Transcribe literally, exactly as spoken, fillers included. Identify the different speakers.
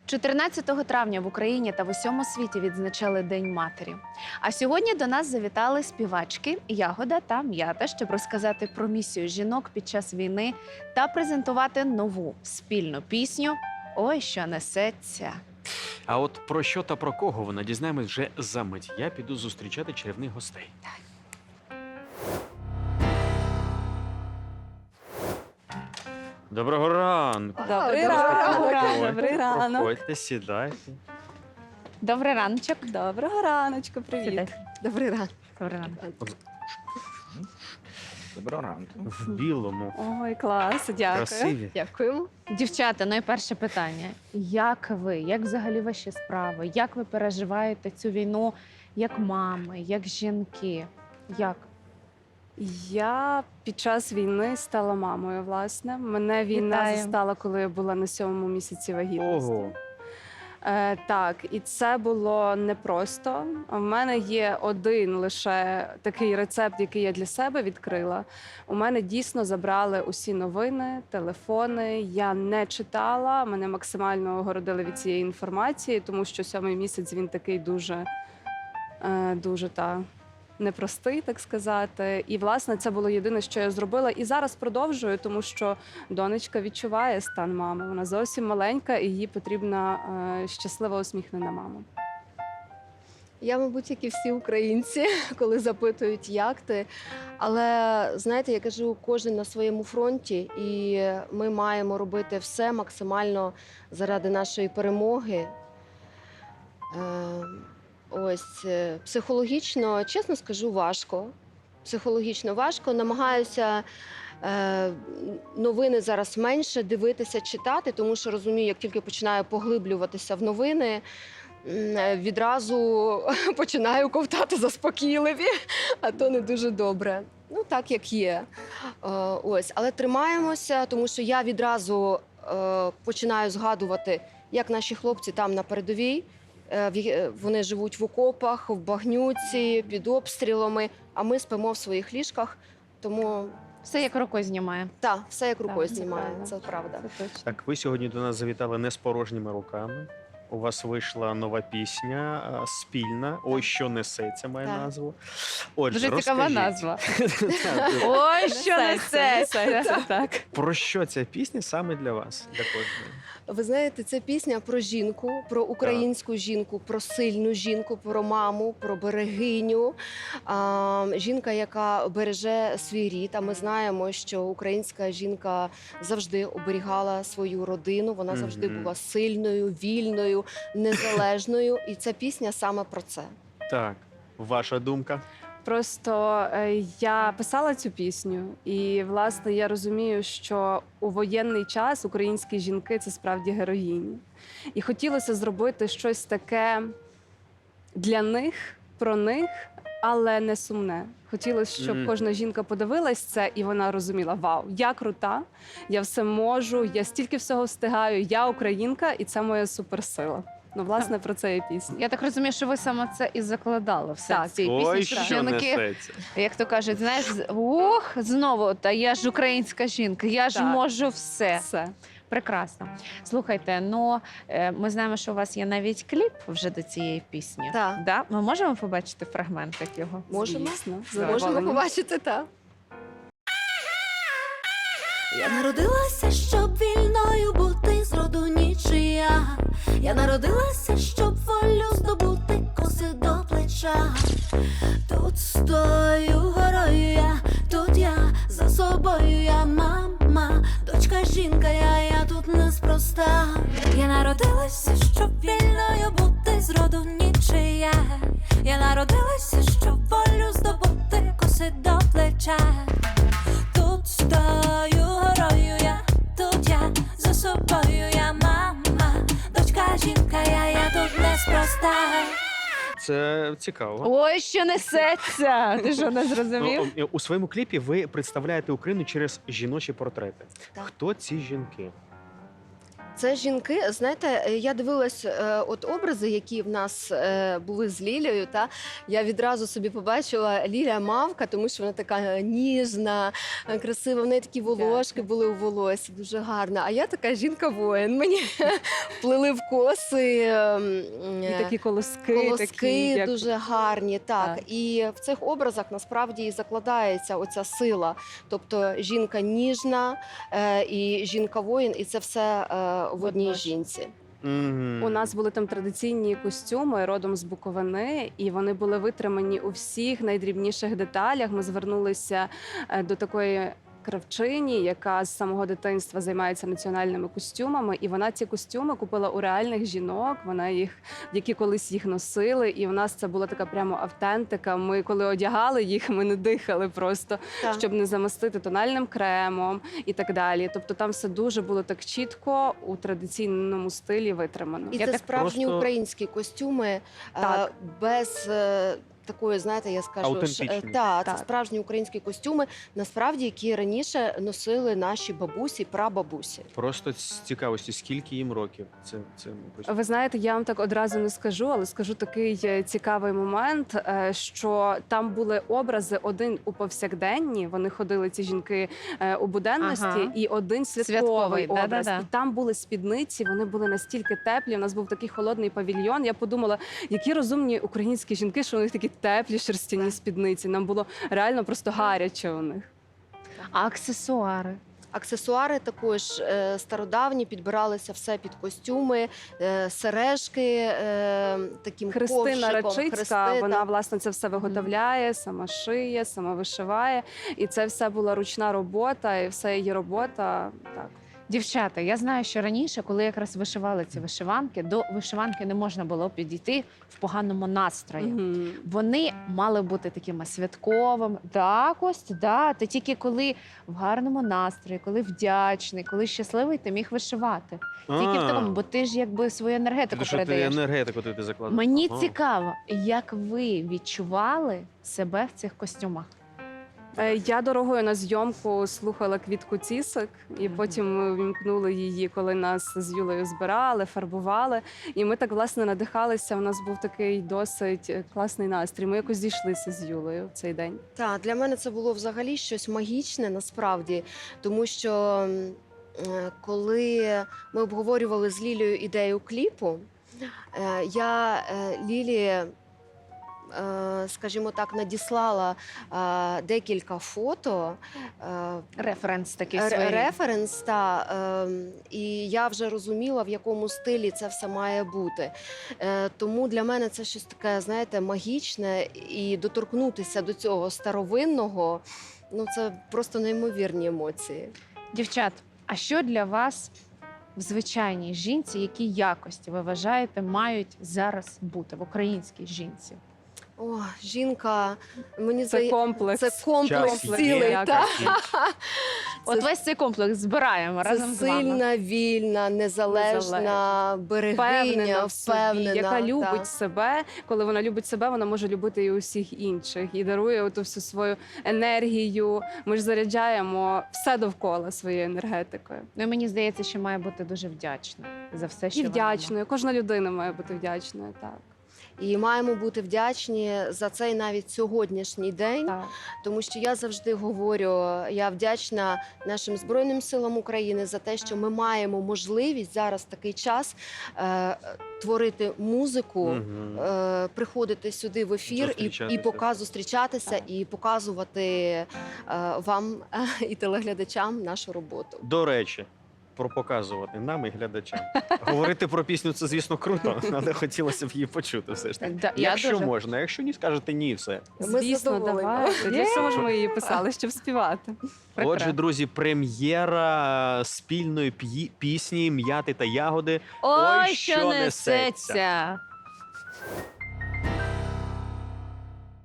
Speaker 1: чотирнадцятого травня в Україні та в усьому світі відзначали День матері. А сьогодні до нас завітали співачки Ягода та М'ята, щоб розказати про місію жінок під час війни та презентувати нову спільну пісню «Ой, що несеться».
Speaker 2: А от про що та про кого вона дізнаємось вже за мить. Я піду зустрічати чарівних гостей. Доброго ранку.
Speaker 3: Добрий
Speaker 1: Доброго
Speaker 3: ранок.
Speaker 2: Проходьте,
Speaker 3: Добрий ранок.
Speaker 2: Проходьте, сідайте.
Speaker 1: Добрий раночок.
Speaker 3: Доброго раночку, привіт.
Speaker 1: Сідай.
Speaker 3: Добрий ранок.
Speaker 1: Добрий ранок.
Speaker 4: Доброго ранку.
Speaker 2: В білому.
Speaker 3: Ой, клас, дякую.
Speaker 2: Красиві.
Speaker 3: Дякуємо.
Speaker 1: Дівчата, найперше питання. Як ви? Як взагалі ваші справи? Як ви переживаєте цю війну як мами, як жінки? Як?
Speaker 3: Я під час війни стала мамою, власне. Мене війна
Speaker 1: Вітаю.
Speaker 3: застала, коли я була на сьомому місяці вагітності.
Speaker 2: Ого.
Speaker 3: Е, так, і це було непросто. У мене є один лише такий рецепт, який я для себе відкрила. У мене дійсно забрали усі новини, телефони. Я не читала, мене максимально огородили від цієї інформації, тому що сьомий місяць він такий дуже, е, дуже та. непростий, так сказати. І, власне, це було єдине, що я зробила. І зараз продовжую, тому що донечка відчуває стан мами. Вона зовсім маленька, і їй потрібна е, щаслива, усміхнена мама.
Speaker 5: Я, мабуть, як і всі українці, коли запитують, як ти. Але, знаєте, я кажу, кожен на своєму фронті, і ми маємо робити все максимально заради нашої перемоги. Е, Ось, е, психологічно, чесно скажу, важко. Психологічно важко. Намагаюся е, новини зараз менше дивитися, читати, тому що розумію, як тільки починаю поглиблюватися в новини, м, відразу починаю ковтати заспокійливі, а то не дуже добре. Ну, так, як є. Е, ось. Але тримаємося, тому що я відразу е, починаю згадувати, як наші хлопці там на передовій. Е, в є- Вони живуть в окопах, в багнюці, під обстрілами, а ми спимо в своїх ліжках. Тому
Speaker 1: Все як рукою знімає.
Speaker 5: так, все як рукою
Speaker 3: це
Speaker 5: знімає,
Speaker 3: правда.
Speaker 5: це правда.
Speaker 3: Це точно.
Speaker 2: Так, ви сьогодні до нас завітали не з порожніми руками. У вас вийшла нова пісня а, спільна. Ой, що несеться, має
Speaker 5: Так.
Speaker 2: назву. Отже,
Speaker 1: Дуже цікава
Speaker 2: розкажіть.
Speaker 1: назва.
Speaker 2: Так,
Speaker 1: Ой, що
Speaker 3: Несеться,
Speaker 1: несеться.
Speaker 3: несеться, так.
Speaker 2: Про що ця пісня саме для вас? Для кожної?
Speaker 5: Ви знаєте, це пісня про жінку, про українську жінку, про сильну жінку, про маму, про берегиню. А, жінка, яка береже свій рід. А ми знаємо, що українська жінка завжди оберігала свою родину. Вона завжди
Speaker 2: Мгм.
Speaker 5: була сильною, вільною, незалежною. І ця пісня саме про це.
Speaker 2: Так, ваша думка?
Speaker 3: Просто е, я писала цю пісню, і власне я розумію, що у воєнний час українські жінки це справді героїні. І хотілося зробити щось таке для них, про них, але не сумне. Хотілося, щоб
Speaker 2: Мгм.
Speaker 3: кожна жінка подивилась це, і вона розуміла: вау, я крута, я все можу, я стільки всього встигаю, я українка, і це моя суперсила. Ну, власне, про це і пісня.
Speaker 1: Я так розумію, що ви саме це і закладали все
Speaker 3: Так.
Speaker 1: в цій
Speaker 2: Ой,
Speaker 1: пісні, щоб
Speaker 2: що
Speaker 1: жінки,
Speaker 2: несеться.
Speaker 1: як то кажуть, знаєш, з- ох, знову, та я ж українська жінка, я ж
Speaker 3: Так.
Speaker 1: можу все.
Speaker 3: Все.
Speaker 1: Прекрасно. Слухайте, ну е, ми знаємо, що у вас є навіть кліп вже до цієї пісні.
Speaker 5: Так.
Speaker 1: Да? Ми можемо побачити фрагментик його?
Speaker 5: Можемо?
Speaker 3: Звісно, з
Speaker 5: Можемо
Speaker 3: задоволенням.
Speaker 5: побачити, так.
Speaker 6: Я народилася, щоб вільною бути зроду нічия. Я народилася, щоб волю здобути, коси до плеча. Тут стою горою я, тут я за собою я мама, дочка жінка, я, я тут неспроста. Я народилася, щоб вільною бути зроду нічия. Я народилася, щоб волю здобути, коси до плеча. Тут стою горою я, тут я за собою я мама, дочка жінка, я, я тут неспроста.
Speaker 2: Це цікаво.
Speaker 1: Ой, що несеться! Ти що, не зрозумів?
Speaker 2: Ну, у своєму кліпі ви представляєте Україну через жіночі портрети.
Speaker 5: Так.
Speaker 2: Хто ці жінки?
Speaker 5: Це жінки, знаєте, е, я дивилась е, от образи, які в нас е, були з Лілією. Та я відразу собі побачила Лілія мавка, тому що вона така ніжна, е, красива. В неї такі волошки були у волосі, дуже гарна. А я така жінка-воїн. Мені плели в коси. е,
Speaker 3: І
Speaker 5: е,
Speaker 3: такі колоски,
Speaker 5: Колоски
Speaker 3: такі, як...
Speaker 5: дуже гарні, так.
Speaker 3: Так.
Speaker 5: І в цих образах насправді і закладається оця сила. Тобто жінка ніжна е, і жінка-воїн, і це все е, в одній
Speaker 3: Водночас.
Speaker 5: жінці.
Speaker 2: Мгм.
Speaker 3: У нас були там традиційні костюми родом з Буковини, і вони були витримані у всіх найдрібніших деталях. Ми звернулися е, до такої кравчині, яка з самого дитинства займається національними костюмами, і вона ці костюми купила у реальних жінок. Вона їх, які колись їх носили, і в нас це була така прямо автентика. Ми коли одягали їх, ми не дихали просто,
Speaker 5: Так.
Speaker 3: щоб не замастити тональним кремом і так далі. Тобто там все дуже було так чітко у традиційному стилі витримано.
Speaker 5: І
Speaker 2: Я
Speaker 5: це
Speaker 2: так
Speaker 5: справжні
Speaker 2: просто-
Speaker 5: українські костюми е,
Speaker 3: Так.
Speaker 5: без е, такої, знаєте, я скажу, ш- е,
Speaker 2: Аутентичні.
Speaker 5: та, це
Speaker 3: Так.
Speaker 5: справжні українські костюми, насправді, які раніше носили наші бабусі, прабабусі.
Speaker 2: Просто з цікавості, скільки їм років? Це, це мабуть.
Speaker 3: Ви знаєте, я вам так одразу не скажу, але скажу такий е, цікавий момент, е, що там були образи один у повсякденні. Вони ходили ці жінки е, у буденності,
Speaker 1: Ага.
Speaker 3: і один святковий,
Speaker 1: Святковий,
Speaker 3: образ.
Speaker 1: да-да-да.
Speaker 3: І там були спідниці. Вони були настільки теплі. У нас був такий холодний павільйон. Я подумала, які розумні українські жінки, що у них такі теплі шерстяні спідниці. Нам було реально просто гаряче у них.
Speaker 1: А аксесуари?
Speaker 5: Аксесуари також е, стародавні, підбиралися все під костюми, е, сережки е, таким
Speaker 3: Христина
Speaker 5: ковшиком.
Speaker 3: Рачицька,
Speaker 5: хрести,
Speaker 3: вона
Speaker 5: так.
Speaker 3: власне це все виготовляє, сама шиє, сама вишиває. І це все була ручна робота, і все її робота. Так.
Speaker 1: Дівчата, я знаю, що раніше, коли якраз вишивали ці вишиванки, до вишиванки не можна було підійти в поганому настрої.
Speaker 3: Мгм.
Speaker 1: Вони мали бути такими святковими. Так, ось, да. Ти тільки коли в гарному настрої, коли вдячний, коли щасливий, ти міг вишивати. Тільки в такому, бо ти ж якби свою енергетику
Speaker 2: Ти що ти
Speaker 1: передаєш.
Speaker 2: енергетику ти закладаєш?
Speaker 1: Мені
Speaker 2: Ага.
Speaker 1: цікаво, як ви відчували себе в цих костюмах?
Speaker 3: Е, Я дорогою на зйомку слухала Квітку Цісик, і
Speaker 1: Мгм.
Speaker 3: потім ми вімкнули її, коли нас з Юлею збирали, фарбували. І ми так власне надихалися. У нас був такий досить е, класний настрій. Ми якось зійшлися з Юлею в цей день.
Speaker 5: Так, для мене це було взагалі щось магічне насправді, тому що м, е, коли ми обговорювали з Лілією ідею кліпу, е, я е, Лілі, е, скажімо так, надіслала е, декілька фото. е,
Speaker 1: Референс такий
Speaker 5: Ре-
Speaker 1: свій.
Speaker 5: Референс, та, ем, і я вже розуміла, в якому стилі це все має бути. Е, тому для мене це щось таке, знаєте, магічне, і доторкнутися до цього старовинного, ну це просто неймовірні емоції.
Speaker 1: Дівчат, а що для вас в звичайній жінці, які якості ви вважаєте мають зараз бути в українській жінці?
Speaker 5: О, жінка, мені
Speaker 3: Це
Speaker 5: здається,
Speaker 3: комплекс.
Speaker 5: це комплекс
Speaker 2: Час
Speaker 5: цілий.
Speaker 3: є,
Speaker 5: Та?
Speaker 2: якість.
Speaker 1: От весь цей комплекс збираємо
Speaker 5: Це
Speaker 1: разом з вами.
Speaker 5: сильна, вільна, незалежна, берегиня,
Speaker 3: Впевнена в собі,
Speaker 5: впевнена,
Speaker 3: яка любить
Speaker 5: та.
Speaker 3: себе. Коли вона любить себе, вона може любити і усіх інших і дарує оту всю свою енергію. Ми ж заряджаємо все довкола своєю енергетикою.
Speaker 1: Ну і мені здається, що має бути дуже вдячна за все, що
Speaker 3: І
Speaker 1: вона
Speaker 3: вдячною. Кожна людина має бути вдячною. Так.
Speaker 5: І маємо бути вдячні за цей навіть сьогоднішній день,
Speaker 3: Так.
Speaker 5: тому що я завжди говорю, я вдячна нашим Збройним силам України за те, що ми маємо можливість зараз в такий час е, творити музику,
Speaker 2: Мгм.
Speaker 5: е, приходити сюди в ефір і, і
Speaker 2: Зустрічатися.
Speaker 5: показ, зустрічатися
Speaker 3: Так.
Speaker 5: і показувати е, вам е, і телеглядачам нашу роботу.
Speaker 2: До речі, про показувати нам і глядачам. Говорити про пісню це, звісно, круто, але хотілося б її почути все ж таки.
Speaker 1: Да, я
Speaker 2: Якщо
Speaker 1: дуже-
Speaker 2: можна, якщо ні, скажете ні, все.
Speaker 5: Ми
Speaker 3: Звісно,
Speaker 5: задоволені.
Speaker 3: давайте. Для цього ж ми її писали, щоб співати.
Speaker 1: Прекрасно.
Speaker 2: Отже, друзі, прем'єра спільної п'ї- пісні «М'яти та ягоди».
Speaker 1: Ой,
Speaker 2: Ой,
Speaker 1: що
Speaker 2: що
Speaker 1: несеться!
Speaker 2: несеться!